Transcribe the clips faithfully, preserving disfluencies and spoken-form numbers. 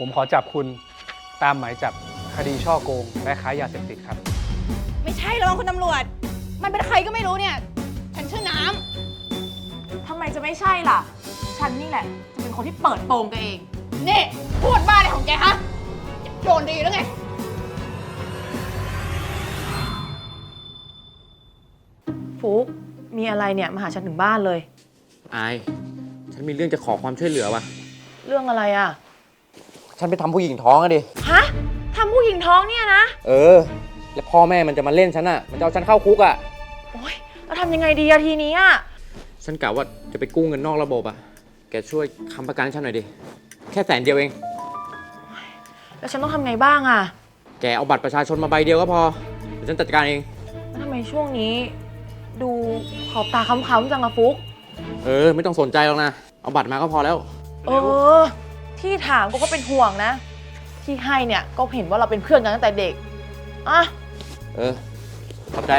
ผมขอจับคุณตามหมายจับคดีฉ้อโกงและค้ายาเสพติดครับไม่ใช่หรอกคุณตำรวจมันเป็นใครก็ไม่รู้เนี่ยฉันชื่อน้ำทำไมจะไม่ใช่ล่ะฉันนี่แหละจะเป็นคนที่เปิดโปงแกเองนี่พูดบ้าอะไรของแกฮะโดนดีแล้วไงฟุกมีอะไรเนี่ยมาหาฉันถึงบ้านเลยอายฉันมีเรื่องจะขอความช่วยเหลือว่ะเรื่องอะไรอ่ะฉันไปทำผู้หญิงท้องอะดิฮะทำผู้หญิงท้องเนี่ยนะเออแล้วพ่อแม่มันจะมาเล่นฉันอะมันจะเอาฉันเข้าคุกอะโอ๊ยแล้วทำยังไงดีอะทีนี้อะฉันกะว่าจะไปกู้เงินนอกระบบอะแกช่วยค้ำประกันให้ฉันหน่อยดิแค่แสนเดียวเองแล้วฉันต้องทำไงบ้างอะแกเอาบัตรประชาชนมาใบเดียวก็พอเดี๋ยวฉันจัดการเองแล้วทำไมช่วงนี้ดูขอบตาค้ำๆจังอะฟุกเออไม่ต้องสนใจหรอกนะเอาบัตรมาก็พอแล้วเออที่ถามก็เป็นห่วงนะที่ให้เนี่ยก็เห็นว่าเราเป็นเพื่อนกันตั้งแต่เด็กอ่ะเออขอบใจ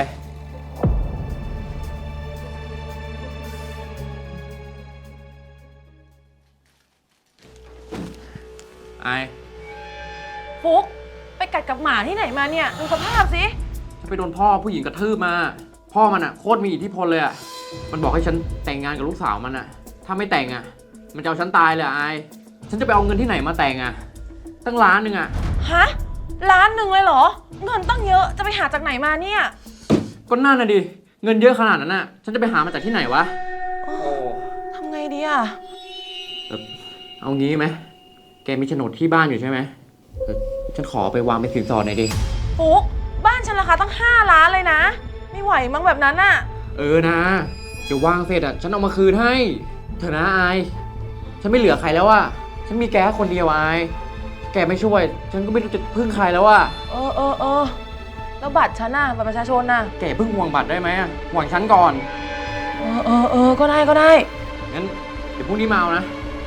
ไอฟุกไปกัดกับหมาที่ไหนมาเนี่ยดูสภาพสิฉันไปโดนพ่อผู้หญิงกระทืบมาพ่อมันอะโคตรมีอิทธิพลเลยอะมันบอกให้ฉันแต่งงานกับลูกสาวมันอะถ้าไม่แต่งอะมันจะเอาฉันตายเลยไอฉันจะไปเอาเงินที่ไหนมาแต่งอะตั้งล้านหนึ่งอะฮะล้านหนึ่งเลยเหรอเงินตั้งเยอะจะไปหาจากไหนมาเนี่ยก็นั่นน่ะดิเงินเยอะขนาดนั้นน่ะฉันจะไปหามาจากที่ไหนวะโอ้ทำไงดีอะเอางี้ไหมแกมีโฉนดที่บ้านอยู่ใช่ไหมฉันขอไปวางเป็นสินสอดหน่อยดิปุ๊กบ้านฉันราคาตั้งห้าล้านเลยนะไม่ไหวมั้งแบบนั้นน่ะเออนะเดี๋ยววางเสร็จอ่ะฉันเอามาคืนให้เถอะนะไอฉันไม่เหลือใครแล้วอ่ะฉันมีแกคนเดียวไอแกไม่ช่วยฉันก็ไม่รู้จะพึ่งใครแล้วอ่ะเออเออเออแล้วบัตรฉันน่ะบัตรประชาชนน่ะแกพึ่งห่วงบัตรได้ไหมห่วงฉันก่อนเออเออเออก็ได้ก็ได้งั้นเดี๋ยวพรุ่งนี้มาเอานะ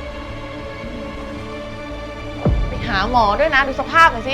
ไปหาหมอด้วยนะดูสภาพหน่อยสิ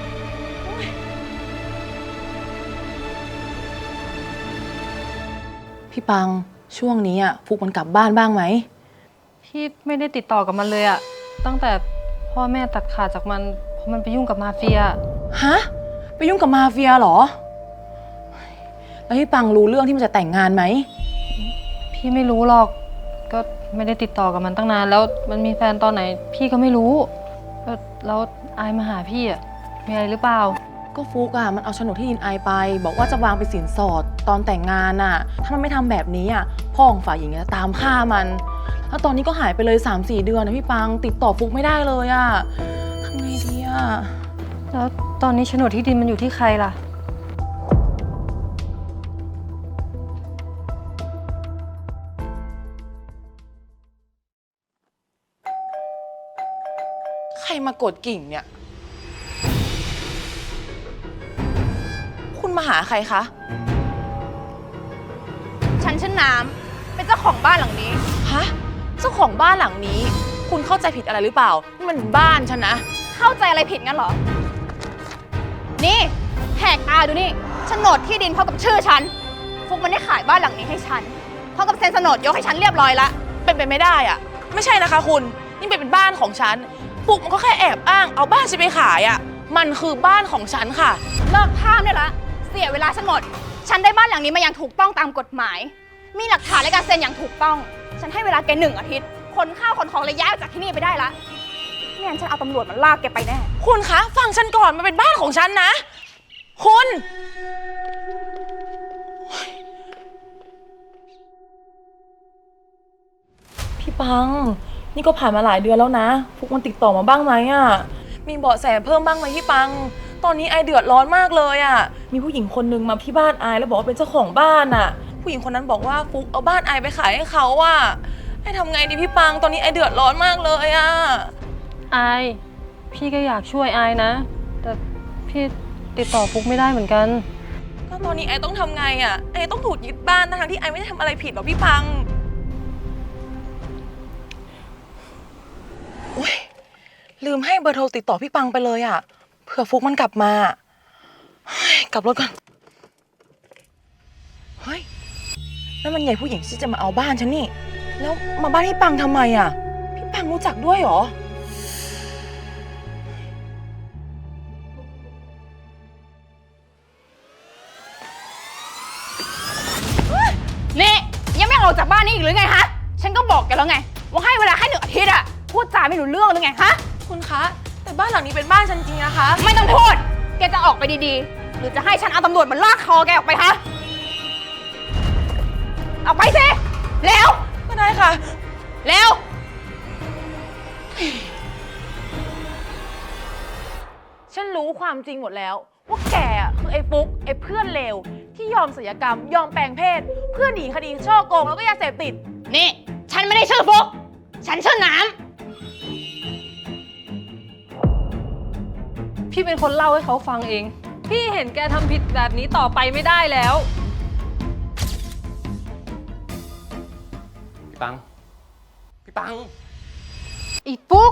พี่ปังช่วงนี้อ่ะฟุกมันกลับบ้านบ้างไหมพี่ไม่ได้ติดต่อกับมันเลยอะตั้งแต่พ่อแม่ตัดขาดจากมันเพราะมันไปยุ่งกับมาเฟียฮะไปยุ่งกับมาเฟียเหรอแล้วพี่ปังรู้เรื่องที่มันจะแต่งงานไหมพี่ไม่รู้หรอกก็ไม่ได้ติดต่อกับมันตั้งนานแล้วมันมีแฟนตอนไหนพี่ก็ไม่รู้แล้วอายมาหาพี่อะมีอะไรหรือเปล่าก็ฟุกอะมันเอาโฉนดที่ดินอายไปบอกว่าจะวางเป็นสินสอดตอนแต่งงานอะถ้ามันไม่ทำแบบนี้อะพ่อของฝ่ายหญิงจะตามฆ่ามันแล้วตอนนี้ก็หายไปเลย สามสี่ เดือนนะพี่ปังติดต่อฟุกไม่ได้เลยอะทำไงดีอะแล้วตอนนี้โฉนดที่ดินมันอยู่ที่ใครล่ะใครมากดกิ่งเนี่ยคุณมาหาใครคะฉันชื่อน้ำเป็นเจ้าของบ้านหลังนี้ฮะเจ้าของบ้านหลังนี้คุณเข้าใจผิดอะไรหรือเปล่านี่มันบ้านฉันนะเข้าใจอะไรผิดงั้นเหรอนี่แหกตาดูนี่โฉนดที่ดินเท่ากับชื่อฉันฟุกมันได้ขายบ้านหลังนี้ให้ฉันเท่ากับเซ็นโฉนดยกให้ฉันเรียบร้อยละเป็นไปไม่ได้อะไม่ใช่นะคะคุณนี่เป็นบ้านของฉันฟุกมันก็แค่แอบอ้างเอาบ้านฉันไปขายอะมันคือบ้านของฉันค่ะเลิกท่ามได้ละเสียเวลาฉันหมดฉันได้บ้านหลังนี้มาอย่างถูกต้องตามกฎหมายมีหลักฐานและการเซ็นอย่างถูกต้องฉันให้เวลาแกหนึ่งอาทิตย์ขนข้าวขนของและย้ายออกจากที่นี่ไปได้ละไม่งั้นฉันเอาตำรวจมาลากแกไปแน่คุณคะฟังฉันก่อนมันเป็นบ้านของฉันนะคุณพี่ปังนี่ก็ผ่านมาหลายเดือนแล้วนะฟุกมันติดต่อมาบ้างไหมอ่ะมีเบาะแสเพิ่มบ้างไหมพี่ปังตอนนี้ไอเดือดร้อนมากเลยอ่ะมีผู้หญิงคนนึงมาที่บ้านไอแล้วบอกว่าเป็นเจ้าของบ้านอ่ะผู้หญิงคนนั้นบอกว่าฟุกเอาบ้านไอไปขายให้เขาอ่ะไอทำไงดีพี่ปังตอนนี้ไอเดือดร้อนมากเลยอ่ะไอพี่ก็อยากช่วยไอนะแต่พี่ติดต่อฟุกไม่ได้เหมือนกันก็ตอนนี้ไอต้องทำไงอ่ะไอต้องถูกยึดบ้านทั้งที่ไอไม่ได้ทำอะไรผิดหรอกพี่ปังอุ๊ยลืมให้เบอร์โทรติดต่อพี่ปังไปเลยอ่ะเผื่อฟุกมันกลับมากลับรถก่อนเฮ้ยนั่นมันใหญ่ผู้หญิงที่จะมาเอาบ้านฉันนี่แล้วมาบ้านพี่ปังทำไมอ่ะพี่ปังรู้จักด้วยเหรอนี่ยังไม่ออกจากบ้านนี่อีกหรือไงฮะ ฉันก็บอกแกแล้วไงว่าให้เวลาแค่หนึ่งอาทิตย์อะพูดจาไม่รู้เรื่องหรือไงฮะคุณคะ แต่บ้านหลังนี้เป็นบ้านฉันจริงนะคะไม่ต้องพูด แกจะออกไปดีๆ หรือจะให้ฉันเอาตำรวจมาลากคอแกออกไปฮะ ออกไปสิ เร็วก็ได้ค่ะเร็วฉันรู้ความจริงหมดแล้ว ว่าแกอะคือไอ้ฟุกไอ้เพื่อนเลวที่ยอมศัลยกรรม ยอมแปลงเพศ เพื่อหนีคดีช่อโกงแล้วก็ยาเสพติดนี่ ฉันไม่ได้ชื่อฟุก ฉันชื่อน้ำพี่เป็นคนเล่าให้เขาฟังเอง พี่เห็นแกทำผิดแบบนี้ต่อไปไม่ได้แล้วพี่ปัง พี่ปังอีปุ๊ก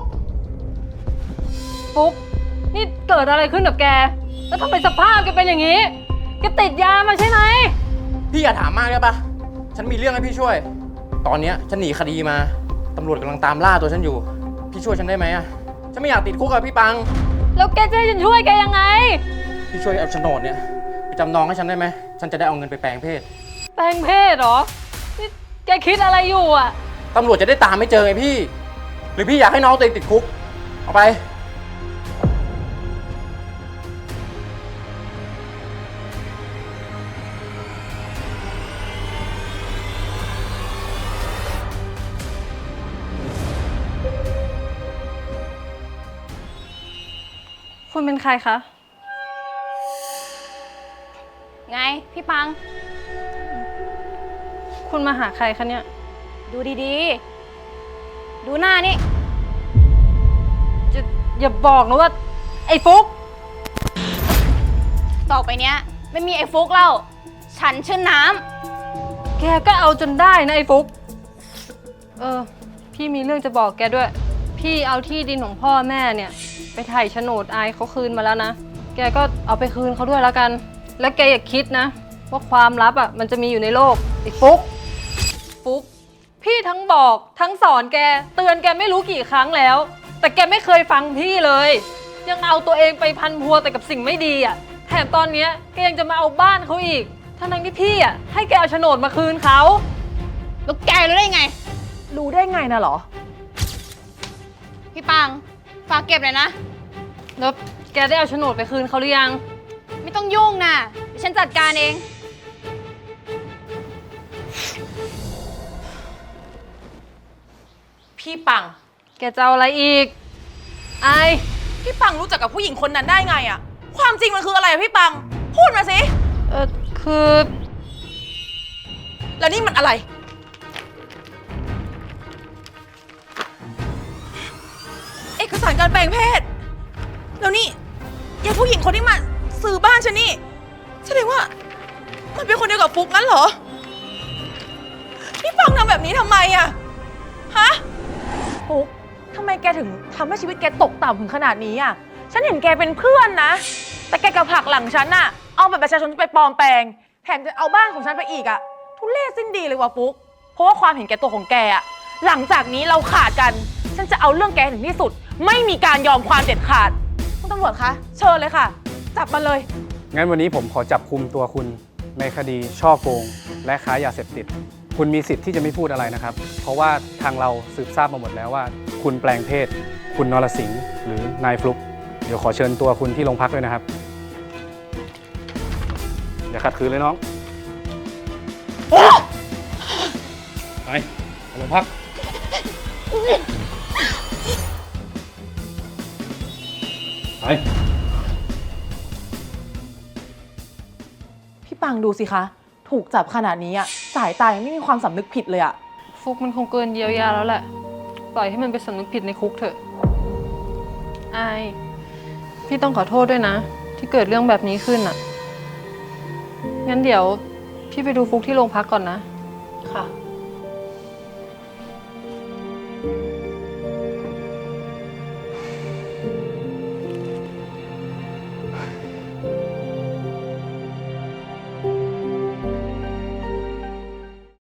ปุ๊ก นี่เกิดอะไรขึ้นกับแก แล้วทำไมสภาพแกเป็นอย่างนี้ แกติดยามาใช่ไหมพี่อย่าถามมากได้ปะฉันมีเรื่องให้พี่ช่วย ตอนเนี้ยฉันหนีคดีมา ตำรวจกำลังตามล่าตัวฉันอยู่ พี่ช่วยฉันได้ไหมอะฉันไม่อยากติดคุกอะพี่ปังแล้วแกจะให้ฉันช่วยแกยังไงพี่ช่วยเอาโฉนดเนี่ยไปจำนองให้ฉันได้ไหม ฉันจะได้เอาเงินไปแปลงเพศแปลงเพศเหรอ นี่แกคิดอะไรอยู่อ่ะตำรวจจะได้ตามไม่เจอไงพี่ หรือพี่อยากให้น้องตัวเองติดคุก เอาไปคุณเป็นใครคะไง พี่ปังคุณมาหาใครคะเนี่ยดูดีๆ ดูหน้านี่จะอย่าบอกนะว่า ไอ้ฟุกต่อไปเนี้ยไม่มีไอ้ฟุกแล้ว ฉันชื่อน้แกก็เอาจนได้นะไอ้ฟุก เออ พี่มีเรื่องจะบอกแกด้วย พี่เอาที่ดินของพ่อแม่เนี่ย ไปถ่ายโฉนดอายเขาคืนมาแล้วนะ แกก็เอาไปคืนเขาด้วยแล้วกัน แล้วแกอย่าคิดนะ ว่าความลับอ่ะมันจะมีอยู่ในโลกไอ้ฟุก ฟุก พี่ทั้งบอกทั้งสอนแก เตือนแกไม่รู้กี่ครั้งแล้ว แต่แกไม่เคยฟังพี่เลย ยังเอาตัวเองไปพันพัวแต่กับสิ่งไม่ดีอ่ะ แถมตอนเนี้ยแกยังจะมาเอาบ้านเขาอีก ทั้งๆที่พี่อ่ะให้แกเอาโฉนดมาคืนเขาำแล้วแกรู้ได้ไงรู้ได้ไงนะเหรอพี่ปัง ฝากเก็บเลยนะแล้วแกได้เอาโฉนดไปคืนเขาหรือยังไม่ต้องยุ่งนะเดี๋ยวฉันจัดการเองพี่ปังแกจะเอาอะไรอีก ไอายพี่ปังรู้จักกับผู้หญิงคนนั้นได้ไงอะความจริงมันคืออะไรอะพี่ปัง พูดมาสิเออคือแล้วนี่มันอะไร เอกสารการแปลงเพศ แล้วนี่ยายผู้หญิงคนที่มาซื้อบ้านฉันนี่แสดงว่ามันเป็นคนเดียวกับฟุกงั้นเหรอ พี่ปังทำแบบนี้ทำไมอะฮะฟุกทำไมแกถึงทำให้ชีวิตแกตกต่ำถึงขนาดนี้อะฉันเห็นแกเป็นเพื่อนนะ แต่แกกับผลักหลังฉันอะเอาแบบประชาชนไปปลอมแปลงแถมจะเอาบ้านของฉันไปอีกอะทุเรศสิ้นดีเลยว่ะฟุกเพราะว่าความเห็นแก่ตัวของแกอะหลังจากนี้เราขาดกัน ฉันจะเอาเรื่องแกให้ถึงที่สุด ไม่มีการยอมความเด็ดขาดคุณตำรวจคะเชิญเลยค่ะ จับมาเลยงั้นวันนี้ผมขอจับคุมตัวคุณในคดีช่อโกง และค้ายาเสพติด คุณมีสิทธิ์ที่จะไม่พูดอะไรนะครับ เพราะว่าทางเราสืบทราบมาหมดแล้วว่า คุณแปลงเพศ คุณนรสิงห์หรือนายฟลุก เดี๋ยวขอเชิญตัวคุณที่โรงพักด้วยนะครับ อย่าขัดขืนเลยน้อง ไปไปโรงพัก ไปพี่ปังดูสิคะ ถูกจับขนาดนี้อะสายตายังไม่มีความสำนึกผิดเลยอะฟุกมันคงเกินเยียวยาแล้วแหละ ปล่อยให้มันไปสำนึกผิดในคุกเถอะ ไอาย พี่ต้องขอโทษด้วยนะ ที่เกิดเรื่องแบบนี้ขึ้นอ่ะ งั้นเดี๋ยวพี่ไปดูฟุกที่โรงพักก่อนนะค่ะ